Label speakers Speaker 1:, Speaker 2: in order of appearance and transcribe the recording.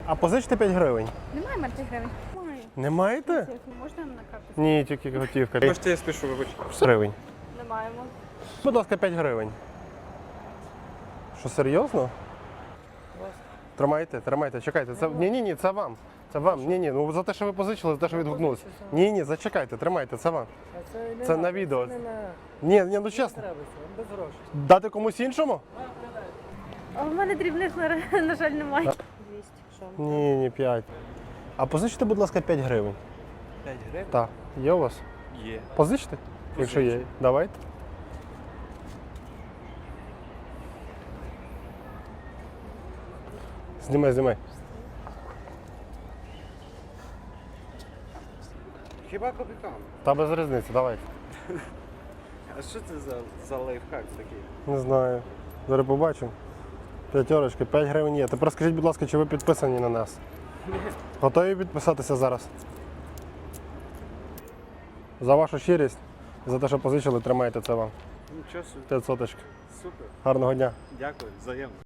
Speaker 1: А позичте 5 гривень.
Speaker 2: Немає мертвих гривень? Немає.
Speaker 1: Не маєте?
Speaker 2: Можна на карту?
Speaker 1: Ні, тільки готівка.
Speaker 3: Можете, я спішу, вибачте.
Speaker 1: Гривень.
Speaker 2: Не маємо.
Speaker 1: Будь ласка, 5 гривень. Що, серйозно? Тримайте, тримайте, чекайте. Це... Ні, це вам. Це вам. Ні, ну за те, що ви позичили, за те, що відгукнулися. Ні, зачекайте, тримайте, це вам. Це на відео. Ні, ну чесно.
Speaker 4: Без грошей.
Speaker 1: Дати комусь іншому?
Speaker 2: А в мене дрібних, на жаль, немає. 200, що?
Speaker 1: Ні, 5. А позичте, будь ласка, 5 гривень.
Speaker 3: 5 гривень?
Speaker 1: Так. Є у вас?
Speaker 3: Є.
Speaker 1: Позичте? Якщо є. Давайте. Знімай.
Speaker 3: Хіба копійкам?
Speaker 1: Та без різниці, давайте.
Speaker 3: А що це за лайфхак такий?
Speaker 1: Не знаю. Зараз побачимо. П'ятерочки, 5 гривень є. Тепер скажіть, будь ласка, чи ви підписані на нас? Готові підписатися зараз? За вашу щирість, за те, що позичили, тримайте це вам.
Speaker 3: Нічого собі.
Speaker 1: 500.
Speaker 3: Супер.
Speaker 1: Гарного дня.
Speaker 3: Дякую, взаємно.